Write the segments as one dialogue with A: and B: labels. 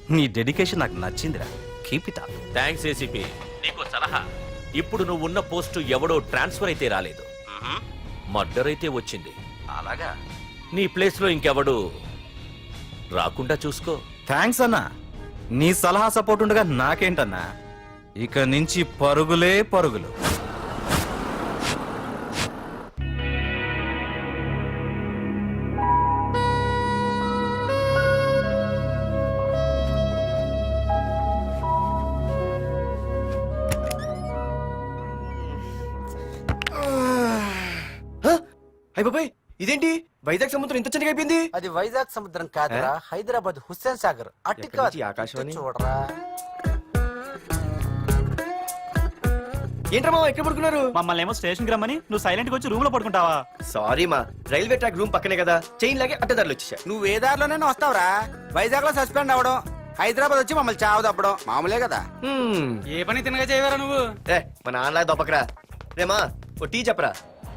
A: నీ డెడికేషన్ నాకు నచ్చిందిరా. Keep it up.
B: Thanks ACP. నీకు సలహా, ఇప్పుడు నువ్వు ఉన్న పోస్టు ఎవడో ట్రాన్స్ఫర్ అయితే రాలేదు, మర్డర్ అయితే వచ్చింది.
A: అలాగా?
B: నీ ప్లేస్ లో ఇంకెవడు రాకుండా చూసుకో.
A: థ్యాంక్స్ అన్నా. నీ సలహా సపోర్ట్ ఉండగా నాకేంటన్నా, ఇక నుంచి పరుగులే పరుగులు.
C: అయిపోయి ఇదేంటి వైజాగ్ సముద్రం ఇంత చిన్నగా అయిపోయింది?
D: అది వైజాగ్ సముద్రం కాదురా, హైదరాబాద్ హుస్సేన్ సాగర్. అట్టి
C: ఆకాశవాణి
D: చూడరా.
C: ఏంట్రా ఎక్కడ పడుకున్నారు?
E: మమ్మల్ని ఏమో స్టేషన్ కి రమ్మని నువ్వు సైలెంట్ గా వచ్చి రూమ్ లో పడుకుంటావా?
C: సారీ మా, రైల్వే ట్రాక్ రూమ్ పక్కనే కదా, చైన్ లాగే అడ్డదారులు వచ్చేసా.
D: నువ్వు ఏ దారిలోనే వస్తావురా? వైజాగ్ లో సస్పెండ్ అవ్వడం, హైదరాబాద్ వచ్చి మమ్మల్ని చావు తప్పడం మామూలే కదా.
E: ఏ పని తినగా చేయవరా నువ్వు?
C: మా నాన్నలా దొప్పకరా. రేమా ఓ టీ చెప్పరా.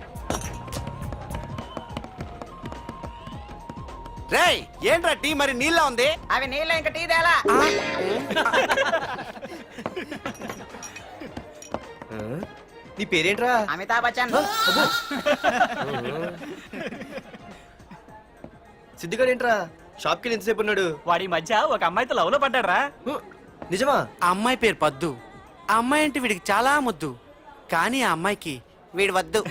D: రేయ్ ఏంట్రా టీ మరి నీళ్ళ ఉంది?
F: అవి నీళ్ళ ఇంకా టీ తేలా.
C: నీ పేరేంట్రా?
F: అమితాబ్ బచ్చన్.
C: సిద్ధిగాడు ఏంట్రా షాప్ కి ఎంతసేపు ఉన్నాడు?
E: వాడి మధ్య ఒక అమ్మాయితో లవ్ లో పడ్డారా?
C: నిజమా?
D: ఆ అమ్మాయి పేరు పద్దు. ఆ అమ్మాయి అంటే వీడికి చాలా ముద్దు, కానీ ఆ అమ్మాయికి వీడు వద్దు.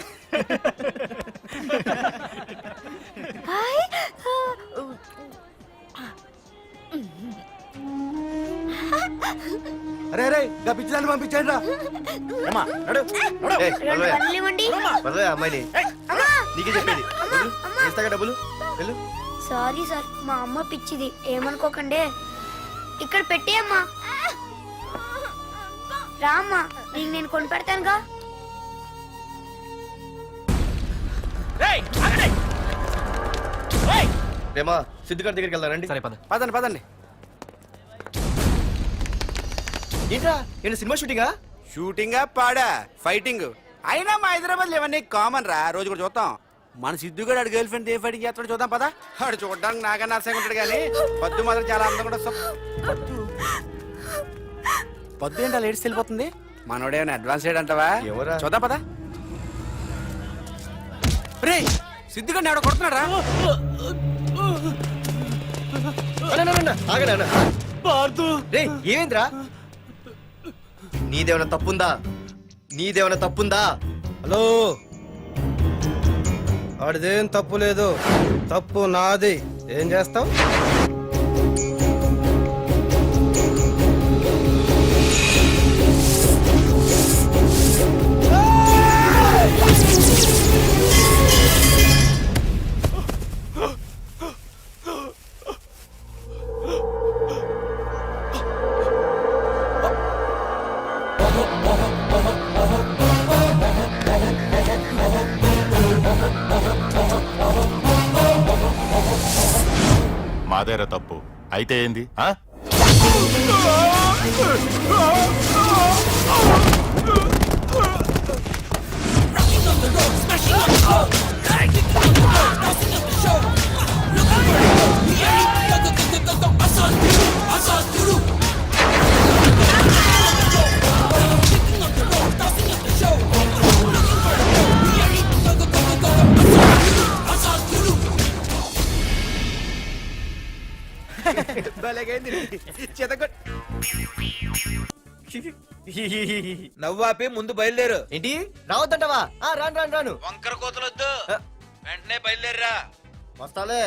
C: అరే అరే పిచ్చిదాన్ని పంపించండి రా. అమ్మాయిని నీకే చెప్పేది. ఇస్తాగా డబ్బులు వెళ్ళు.
G: సారీ సార్, మా అమ్మ పిచ్చిది, ఏమనుకోకండి. ఇక్కడ పెట్టేయమ్మా. రామ్మా, నీకు నేను కొని పెడతానుగా.
C: రేమా సిద్ధిగాడి దగ్గరికి వెళ్దానండి.
A: సరే పద.
D: పదండి పదండి.
C: ఏంట్రా ఏంటి సినిమా షూటింగా?
D: షూటింగా పాడా ఫైటింగ్ అయినా మా హైదరాబాద్ ఇవన్నీ కామన్ రా, రోజు కూడా చూద్దాం. మన సిద్ధుగాడు ఆడు గర్ల్ ఫ్రెండ్ ఏ ఫైటింగ్ చేస్తాడు చూద్దాం పదా. ఆడు చూడడానికి నాకన్నా అసహ్యంగా ఉంటాడు కానీ పద్దు మాత్రం చాలా అందంగా ఉంటుంది. పద్దు ఏంటో లేడీస్ వెళ్ళిపోతుంది, మనోడేమైనా అడ్వాన్స్ అంటావా?
C: ఎవరా?
D: చూద్దాం పదా. రే సిద్ధుగాడిని ఎవడో కొడుతున్నాడు రా.
C: ఏమేంద్రా? నీదేమైనా తప్పుందా? నీదేమైనా తప్పుందా?
H: హలో, ఆడిదేం తప్పు లేదు, తప్పు నాది. ఏం చేస్తావు?
I: మాదేరా తప్పు అయితే ఏంది?
D: నవ్వాపి ముందు బయలుదేరు.
C: ఏంటి రావద్దంటావా? రాను రాను రాను.
D: వంకర కోతలొద్దు, వెంటనే బయలుదేరరా.
C: వస్తాలే.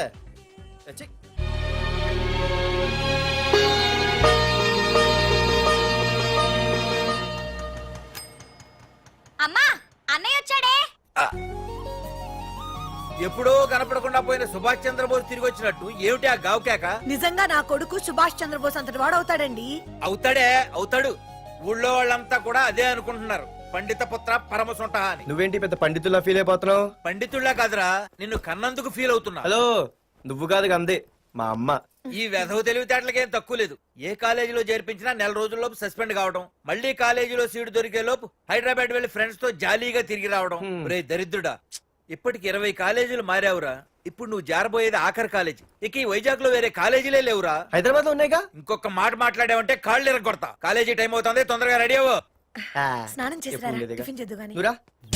G: అమ్మా, అన్నయ్య వచ్చాడే.
D: ఎప్పుడో కనపడకుండా పోయిన సుభాష్ చంద్రబోస్ తిరిగి వచ్చినట్టు ఏమిటి ఆ గావుకేక?
J: నిజంగా నా కొడుకు సుభాష్ చంద్రబోస్ అంతటి వాడు అవుతాడండి.
D: అవుతాడే అవుతాడు. ఊళ్ళో వాళ్ళంతా కూడా అదే అనుకుంటున్నారు, పండిత పుత్ర పరమ సొంట అని.
C: నువ్వేంటి పెద్ద పండితుల్లా ఫీల్ అయిపోతున్నావు?
D: పండితుళ్ళ కాదురా, నిన్ను కన్నందుకు ఫీల్ అవుతున్నా.
C: హలో, నువ్వు కాదు అందే మా అమ్మ.
D: ఈ వెధవ తెలివితేటలకేం తక్కువ లేదు. ఏ కాలేజీలో చేర్పించినా నెల రోజుల్లోపు సస్పెండ్ కావడం, మళ్ళీ కాలేజీలో సీటు దొరికే లోపు హైదరాబాద్ వెళ్లి ఫ్రెండ్స్ తో జాలీగా తిరిగి రావడం. రే దరిద్రుడా, ఇప్పటికి 20 కాలేజీలు మారావురా.
C: ఇప్పుడు నువ్వు జారబోయేది ఆఖరి కాలేజీ. ఇక ఈ వైజాగ్ లో వేరే కాలేజీలే లేవురా.
H: హైదరాబాద్ లో ఉన్నాయిగా.
C: ఇంకొక మాట మాట్లాడావంటే కాళ్ళు ఎరగొడతా. కాలేజీ టైం అవుతుంది, తొందరగా రెడీ అవ్వు.
J: స్నానం చేసి
H: ఎప్పుడు ఉండేదిగా.
J: టిఫిన్ చేద్దు గాని
H: నువ్వురా.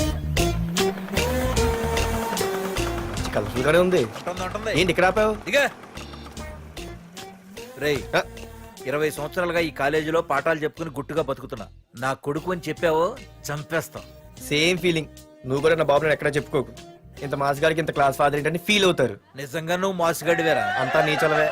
H: కలర్ఫుల్ గానే ఉంది.
C: ఉంటుంది.
H: ఏంటి ఇక్కడ ఆపావు?
C: దిగా రేయ్, 20 సంవత్సరాలుగా ఈ కాలేజీలో పాఠాలు చెప్పుకుని గుట్టుగా బతుకుతున్నా. నా కొడుకు అని చెప్పావో చంపేస్తాం.
H: Same feeling. నువ్వు కూడా నా బాబు నేను ఎక్కడా చెప్పుకోకు. ఇంత మాస్ గారికి ఇంత క్లాస్ ఫాదర్ ఏంటని ఫీల్ అవుతారు.
C: నిజంగా నువ్వు మాసుగడివేరా?
H: అంతా నీ చలవే.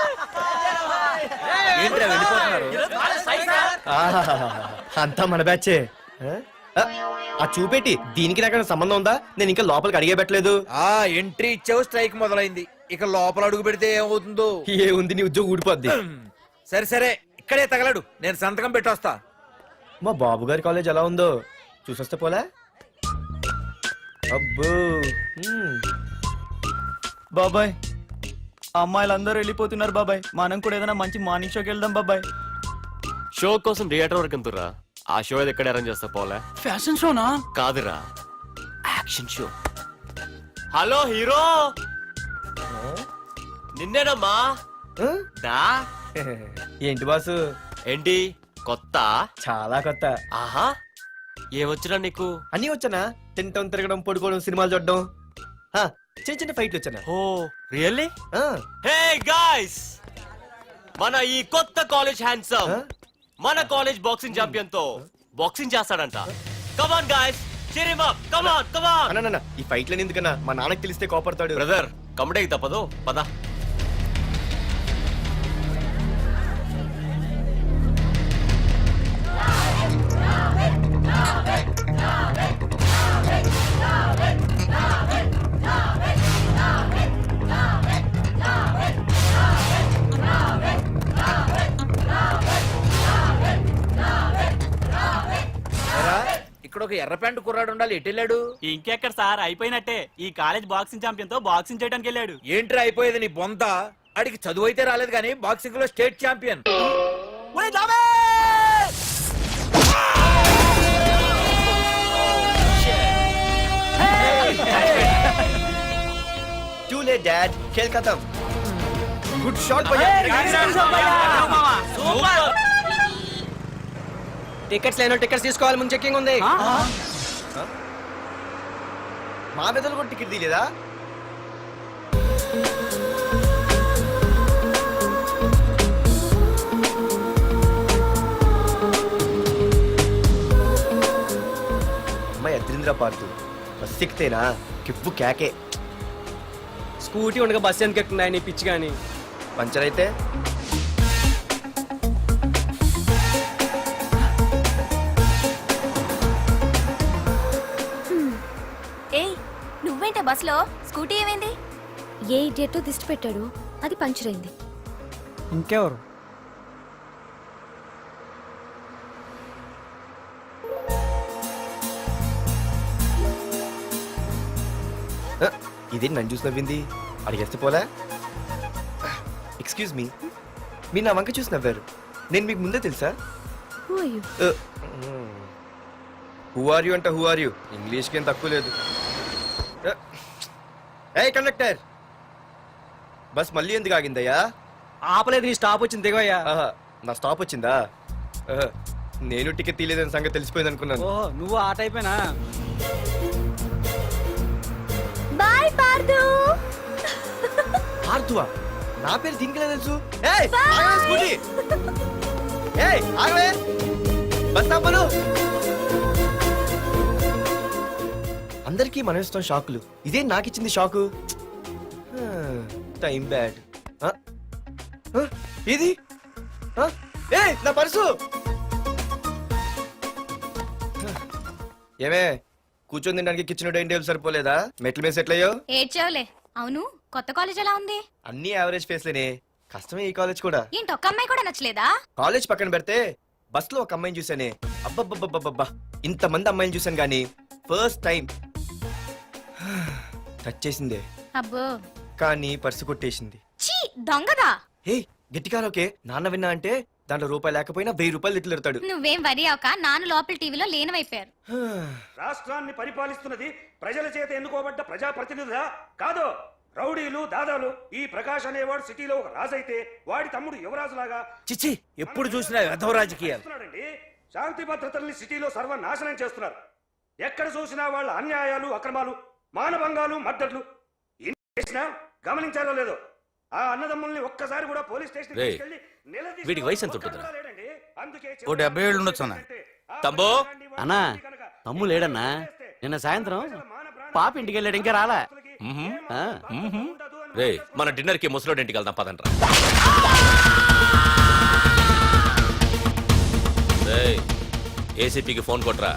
C: ఏంట్రా వెళ్ళిపోతున్నారు?
H: ఆహాహాహా. అంతా మన బ్యాచే. ఆ చూపెట్టి దీనికి నాకు సంబంధం ఉందా? నేను ఇంకా లోపలికి అడిగే పెట్టలేదు.
C: ఆ ఎంట్రీ ఇచ్చావు, స్ట్రైక్ మొదలైంది. ఇక లోపల అడుగు పెడితే ఏమవుతుందో.
H: ఏ ఉంది, నీ ఉద్యోగం ఊడిపోద్ది.
C: సరే సరే, ఇక్కడే తగలడు, నేను సంతకం పెట్టొస్తా.
H: మా బాబు గారి కాలేజ్ ఎలా ఉందో చూసొస్తే పోలే. అబ్బో.
E: బాబాయ్ అమ్మాయిలందరూ వెళ్ళిపోతున్నారు బాబాయ్, మనం కూడా ఏదైనా మంచి మార్నింగ్ షోకి వెళ్దాం బాబాయ్.
K: షో కోసం థియేటర్ వరకు ఎంతురా? ఆ షో ఏది ఎక్కడ అరేంజ్ చేస్తా పోలే?
E: ఫ్యాషన్ షోనా?
K: కాదురా, యాక్షన్ షో. హలో హీరో, నిన్నేనమ్మా.
H: ఆ?
K: దా.
H: ఏంటి బాసు?
K: ఏంటి కొత్త?
H: చాలా కొత్త.
K: ఆహా, ఏమొచ్చినా నీకు?
H: అన్నీ వచ్చానా? తింటం, తిరగడం, పడుకోవడం, సినిమాలు చూడడం. ఆ, చిన్న చిన్న ఫైట్లు వచ్చానా?
K: ఓ రియల్లీ?
H: ఆ,
K: హే గాయ్స్, మన ఈ కొత్త కాలేజ్ హ్యాండ్సమ్
H: ఆ?
K: మన కాలేజ్ బాక్సింగ్ ఛాంపియన్ తో బాక్సింగ్ చేస్తాడంట. Come on guys, cheer him up. Come on come on.
H: అన్న ఈ ఫైట్లని ఎందుకన్నా? మా నాన్నకి తెలిస్తే కోపడతాడు.
K: బ్రదర్ కమడేకి తప్పదు, పద.
C: ఏరా, ఇక్కడ ఒక ఎర్ర ప్యాంటు కుర్రాడు ఉండాలి, ఎటు వెళ్ళాడు?
E: ఇంకెక్కడ సార్, అయిపోయినట్టే. ఈ కాలేజ్ బాక్సింగ్ ఛాంపియన్ తో బాక్సింగ్ చేయడానికి వెళ్ళాడు.
C: ఏంట్రా అయిపోయేది నీ బొంత? అడిగి చదువు అయితే రాలేదు కానీ బాక్సింగ్ లో state champion.
H: Too late, Dad. खेल खत्म. Good shot, भैया. టికెట్స్ లేనో టికెట్స్ తీసుకోవాలి, ముందు చెక్కింగ్ ఉంది. మా పెద్దలు కూడా టికెట్ తీయలేదా? అమ్మాయి అద్రింద్ర పార్తు బస్ ఎక్కితేనా కిప్పు కేకే.
E: స్కూటీ ఉండగా బస్సు ఎందుకు ఎక్కుతున్నాయి నీ పిచ్చి గాని?
H: పంచర్ అయితే
G: ఏయ్ నువ్వేంటే బస్సులో? స్కూటీ ఏమైంది? ఏ ఇడియట్ దిష్టి పెట్టాడు, అది పంచర్ అయింది.
E: ఇంకెవరు?
H: ఇదేంటి నన్ను చూసి నవ్వింది? అడిగేస్తే పోలే. ఎక్స్క్యూజ్ మీ, మీరు నా వంక చూసి నవ్వారు. నేను మీకు ముందే తెలుసా? హూ ఆర్ యూ అంటే హూ ఆర్ యూ? ఇంగ్లీష్కి ఏం తక్కువ లేదు. ఏ కండక్టర్, బస్ మళ్ళీ ఎందుకు ఆగిందయ్యా?
E: ఆపలేదు, నీ స్టాప్ వచ్చింది, దిగోయ్యా.
H: ఆహా, నా స్టాప్ వచ్చిందా? ఆహా, నేను టికెట్ తీయలేదని సంగతి తెలిసిపోయింది అనుకున్నాను.
E: ఓహో, నువ్వు ఆ టైపేనా?
G: బాయ్ పార్దు.
H: ఆర్తువా? నా పేరు దీనికిలా తెలుసు? ఏయ్, ఆగవే స్కూటీ. ఏయ్, ఆగవే. బస్ ఆపను. అందరికీ మనం ఇస్తాం షాకులు, ఇదే నాకు ఇచ్చింది షాకు. Time bad. ఇది ఏయ్, నా పర్సు. ఏమే, కూర్చొని తినడానికి కిచెన్ డైనింగ్ టేబుల్ సరిపోలేదా? మెట్ల మీద సెట్ అయ్యో.
G: ఏడ్చావులే. అవును, కొత్త కాలేజ్ ఎలా ఉంది?
H: అన్ని యావరేజ్ ఫేస్లేనే. కష్టమే ఈ కాలేజ్ కూడా.
G: ఏంటి, ఒక్క అమ్మాయి కూడా నచ్చలేదా?
H: కాలేజ్ పక్కన పెడితే బస్ లో ఒక అమ్మాయిని చూసానే, అబ్బబ్బబ్బబ్బబ్బా, ఇంతమంది అమ్మాయిని చూసాను గానీ ఫస్ట్ టైం టచ్ చేసిందే.
G: అబ్బో,
H: కానీ పర్సు కొట్టేసింది.
G: చీ దొంగదా.
H: హే, గట్టిగా ఓకే. నాన్న విన్నా అంటే దాంట్లో రూపాయి లేకపోయినా 1000 రూపాయలు తిట్లు.
G: నువ్వేం వరి అవక, నాన్న లోపల టీవీలో లేనవైపోయారు.
L: రాష్ట్రాన్ని పరిపాలిస్తున్నది ప్రజల చేత ఎన్నుకోబడ్డ ప్రజాప్రతినిధులా కాదు, రౌడీలు దాదాలు ఈ ప్రకాష్ అనేవాడు సిటీలో ఒక రాజైతే వాడి తమ్ముడు యువరాజులాగా
C: చిచ్చి ఎప్పుడు చూసినా వెధవ రాజకీయాలు.
L: చేస్తున్నాడండి. శాంతి భద్రతల్ని సిటీలో సర్వనాశనం చేస్తున్నారు. ఎక్కడ చూసినా వాళ్ళ అన్యాయాలు అక్రమాలు మానభంగాలు మద్దతులు ఇన్ని చేసినా గమనించారో లేదో ఆ అన్నదమ్ముల్ని ఒక్కసారి కూడా పోలీస్ స్టేషన్
B: రేయ్, వీడికి వయసు ఎంత ఉంటుందిరా?
A: ఓ 70 ఏళ్ళు ఉండొచ్చు అన్న.
B: తమ్ముడు!
K: అన్నా, తమ్ము లేడన్నా. నిన్న సాయంత్రం పాప ఇంటికి వెళ్ళాడు, ఇంకా రాలా. ఆ,
B: రే, మన డిన్నర్ కి ముసలోడి ఇంటికి వెళ్దాం పదండ్రా. రేయ్, ఏసీపీకి ఫోన్ కొట్రా.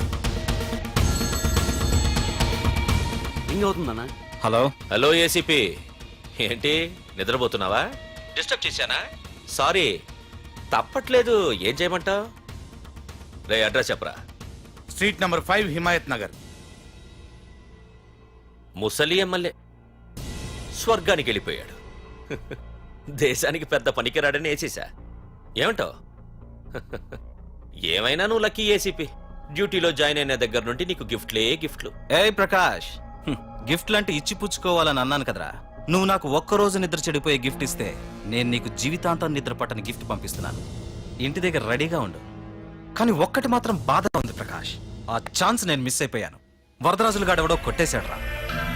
K: రింగ్ అవుతుందన్నా.
A: హలో.
B: హలో ఏసీపీ, ఏంటి నిద్రపోతున్నావా? డిస్టర్బ్ చేశానా? సారీ, తప్పట్లేదు. ఏం చేయమంటావు? రే, అడ్రస్ చెప్పరా.
A: Street number 5 Himayat Nagar.
B: ముసలి ఎమ్మెల్యే స్వర్గానికి వెళ్ళిపోయాడు. దేశానికి పెద్ద పనికిరాడని వేసేసా. ఏమంటావు? ఏమైనా నువ్వు లక్కీ ఏసీపీ. డ్యూటీలో జాయిన్ అయిన దగ్గర నుండి నీకు గిఫ్ట్లే గిఫ్ట్లు.
A: ఏయ్ ప్రకాష్, గిఫ్ట్ లాంటి ఇచ్చి పుచ్చుకోవాలని అన్నాను కదరా. నువ్వు నాకు ఒక్కరోజు నిద్ర చెడిపోయే గిఫ్ట్ ఇస్తే నేను నీకు జీవితాంతం నిద్ర పట్టని గిఫ్ట్ పంపిస్తున్నాను. ఇంటి దగ్గర రెడీగా ఉండు. కానీ ఒక్కటి మాత్రం బాధగా ఉంది ప్రకాష్. ఆ ఛాన్స్ నేను మిస్ అయిపోయాను. వరదరాజులు గాడెవడో కొట్టేశాడు రా.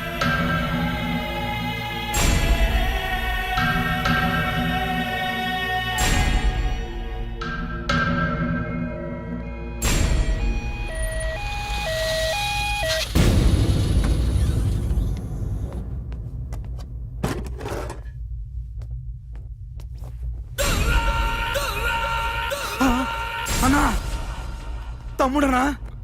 E: అన్నా, తమ్ముడనా?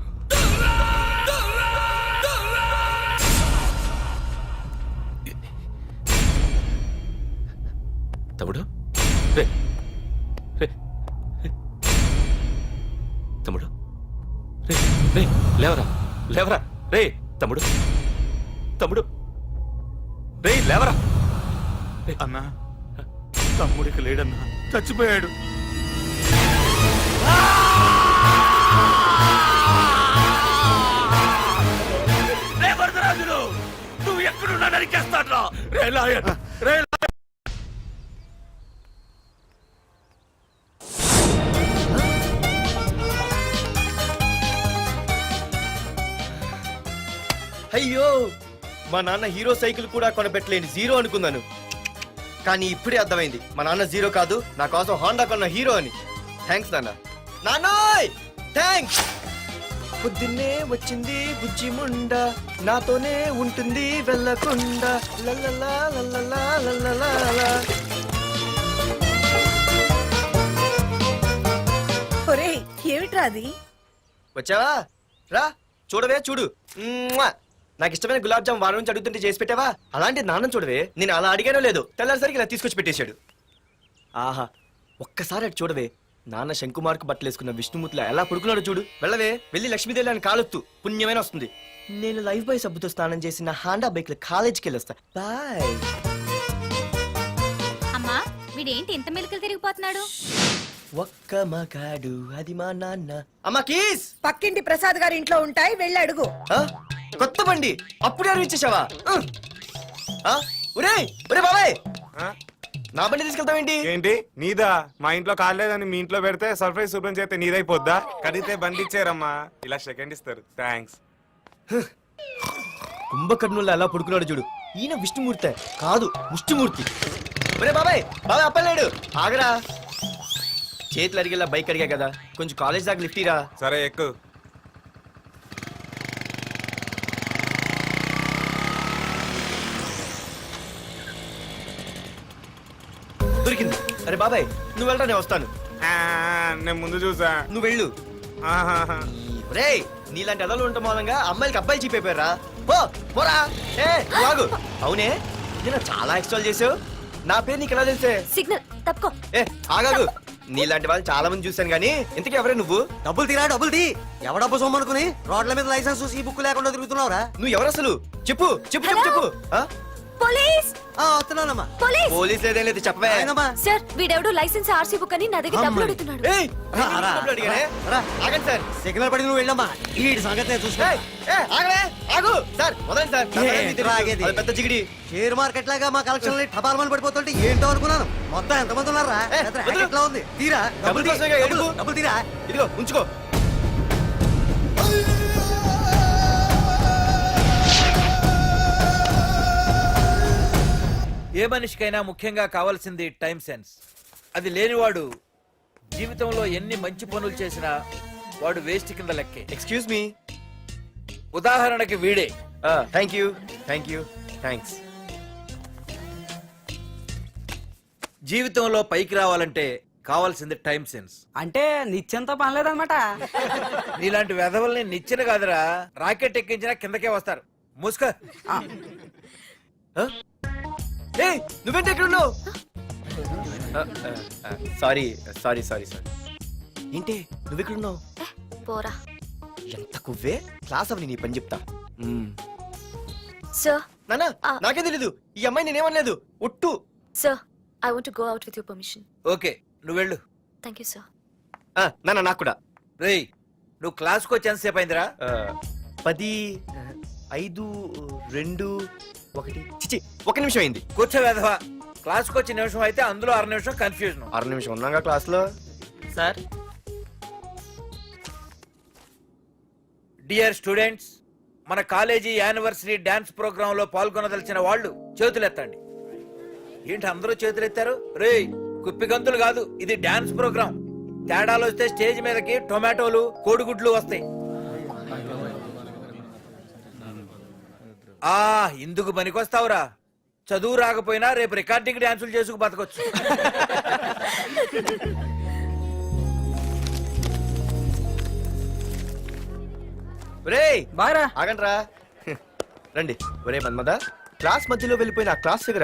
B: తమ్ముడు, రే, రే, రే. తమ్ముడు, రే, రే, లేవరా, లేవరా, రే, తమ్ముడు, తమ్ముడు, రే, లేవరా.
I: అన్నా, తమ్ముడికి లేడన్నా, చచ్చిపోయాడు.
B: రే వరదరాజులు, నువ్వు ఎక్కడున్నా నరికేస్తాడ్రా. రే లాయర్, రే లాయర్.
H: అయ్యో, మా నాన్న హీరో సైకిల్ కూడా కొనపెట్టలేని జీరో అనుకున్నాను. కానీ ఇప్పుడే అర్థమైంది, మా నాన్న జీరో కాదు, నా కోసం హాండా కొన్న హీరో అని. థ్యాంక్స్ నాన్న. నాన్నోయ్ థ్యాంక్స్. పొద్దున్నే వచ్చింది బుజ్జి ముండ, నాతోనే ఉంటుంది వెళ్ళకుండా. లల్లలా లల్లలా లల్లలా.
J: ఒరేయ్, ఏమిట్రా అది?
H: వచ్చావా? రా చూడవే, చూడు. మ్మ్వా! నాకు ఇష్టమైన గులాబ్ జామ్ వారం నుంచి అడుగుతుంటే చేసి పెట్టావా? అలాంటి నాన్న చూడవే, నేను అలా అడిగానో లేదో తెల్లారిసరికి ఇలా తీసుకొచ్చి పెట్టేశాడు. ఆహా, ఒక్కసారి అటు చూడవే, నాన్న శంకుమార్కు బట్టలు వేసుకున్న విష్ణుమూర్తిలా ఎలా పడుకున్నాడో చూడు. వెళ్ళవే, వెళ్ళి లక్ష్మీదేవి అని కాలొత్తు, పుణ్యమైన వస్తుంది. నేను లైఫ్ బాయ్ సబ్బుతో స్నానం చేసి నా హాండా బైక్ లో కాలేజీకి వెళ్ళొస్తా. బాయ్.
G: అమ్మా, వీడేంటి ఇంత మెలికలు తిరిగిపోతున్నాడు?
H: ఒక్క మగాడు అది మా నాన్న. అమ్మా కీస్.
J: పక్కింటి ప్రసాద్ గారి ఇంట్లో ఉంటాయి, వెళ్ళి అడుగు.
H: ఆ? కొత్త బండి అప్పుడే అరిచేసావా? ఒరే ఒరే బాబాయ్, నా బండి తీసుకెళ్తావేంటి?
L: ఏంటి నీదా? మా ఇంట్లో కాలేదని మీ ఇంట్లో పెడితే సర్ప్రైజ్ శుభ్రం చేస్తే నీదైపోద్దా? కడిగితే బండి ఇచ్చారమ్మా, ఇలా సెకండ్ ఇస్తారు. థ్యాంక్స్.
H: కుంభకర్ణుల్లో ఎలా పడుకున్నాడు చూడు. ఈయన విష్ణుమూర్తి కాదు, ముష్టిమూర్తి. ఒరే బాబాయ్, బాబాయ్ అప్పలేడు, ఆగరా. చేతులు అడిగేలా బైక్ అడిగా కదా, కొంచెం కాలేజ్ దాకా లిఫ్ట్ ఇరా.
L: సరే ఎక్కు.
H: దొరికింది. అరే బాబాయ్ నువ్వు వెళ్ళరా, నేను వస్తాను.
L: నేను ముందు చూసా.
H: నువ్వు వెళ్ళు. రే, నీలాంటి ఎదలు ఉండటం మూలంగా అమ్మాయిలకి అబ్బాయిలు చీపైపోయారా? పోరా. ఏ నువ్వు ఆగు. అవునే, నేను చాలా ఎక్స్ట్రాల్ చేసావు. నా పేరు నీకు ఎలా తెలిసే?
G: సిగ్నల్ తప్పుకో.
H: ఏ ఆగాగు. నీలాంటి వాళ్ళు చాలా మంది చూశాను గానీ ఇంతకీ ఎవరే నువ్వు?
C: డబ్బులు తీరా, డబ్బులు తీ. ఎవడబ్బు సొమ్మనుకుని రోడ్ల మీద లైసెన్స్ ఈ బుక్ లేకుండా తిరుగుతున్నావురా?
H: నువ్వు ఎవరు అసలు? చెప్పు చెప్పు చెప్పు చెప్పు. ఆ?
G: పోలీస్
H: వస్తున్నానమ్మా
G: పోలీస్
H: పోలీస్ లేదేం లేదు చెప్పవే
G: సార్ వీడెవడో లైసెన్స్ ఆర్సీ బుక్ అని నా దగ్గర డబ్బులు అడుగుతున్నాడు
H: ఏయ్, డబ్బులు అడిగానే? ఆగండి సార్ సిగ్నల్ పడి నువ్వు వెళ్ళమ్మా ఈ సంగతి చూసుకో ఆగలే ఆగు సార్ వదండి సార్ అది పెద్ద జిగిడి షేర్ మార్కెట్ లాగా మా కలెక్షన్ టపాల్మని పడిపోతుంటే ఏంటో అనుకున్నాను మొత్తం ఎంతమంది ఉన్నారా ఎట్లా ఉంది తీరా డబ్బులు తీరా ఇదిగో ఉంచుకో
C: ఏ మనిషికైనా ముఖ్యంగా కావాల్సింది టైం సెన్స్. అది లేనివాడు జీవితంలో ఎన్ని మంచి పనులు చేసినా వాడు వేస్ట్ కింద లెక్కే.
H: ఎక్స్క్యూజ్ మీ
C: ఉదాహరణకి వీడే.
H: థ్యాంక్ యూ థ్యాంక్స్
C: జీవితంలో పైకి రావాలంటే కావాల్సింది టైం సెన్స్.
F: అంటే నిత్యంతో పనిలేదన్నమాట.
C: నీలాంటి వెధవల్ని నిచ్చిన కాదురా, రాకెట్ ఎక్కించినా కిందకే వస్తారు. మూసుకో.
H: నువ్వేంటి ఎక్కడ ఉన్నావు సారీ ఏంటి నువ్వెక్కడున్నావు
G: పోరా
H: ఎంత కువ్వే క్లాస్ అవని నీ పని చెప్తా
G: సార్
H: నానా నాకే తెలీదు ఈ అమ్మాయి నేనేమనలేదు ఒట్టు
G: sir I want to go out with your permission.
C: Okay నువ్వు వెళ్ళు.
G: Thank you sir.
H: నానా నాకు కూడా
C: రేయ్ నువ్వు క్లాస్కి వచ్చి ఎంతసేపు అయిందిరా?
H: 10 5 2 1 చిచి 1 నిమిషం అయింది.
C: కూర్చో వెధవా. క్లాస్కి వచ్చి నిమిషం అయితే అందులో 6 నిమిషం కన్ఫ్యూజన్.
H: 6 నిమిషం ఉన్నాగా క్లాస్ లో.
K: సార్
C: డియర్ స్టూడెంట్స్, మన కాలేజీ యానివర్సరీ డాన్స్ ప్రోగ్రామ్ లో పాల్గొనదలిచిన వాళ్ళు చేతులెత్తండి. ఏంటి అందరూ చేతులెత్తారు? రేయ్ కుప్పి గంతులు కాదు, ఇది డాన్స్ ప్రోగ్రామ్. తేడాలు వస్తే స్టేజ్ మీదకి టొమాటోలు కోడిగుడ్లు వస్తాయి. ఇందుకు పనికొస్తావురా. చదువు రాకపోయినా రేపు రికార్డింగ్ డాన్సులు చేసుకు బతకొచ్చు.
H: ఒరేయ్
F: బాగా
H: ఆగండ్రా రండి. ఒరే మన్మద క్లాస్ మధ్యలో వెళ్ళిపోయిన ఆ క్లాస్ ఫిగర్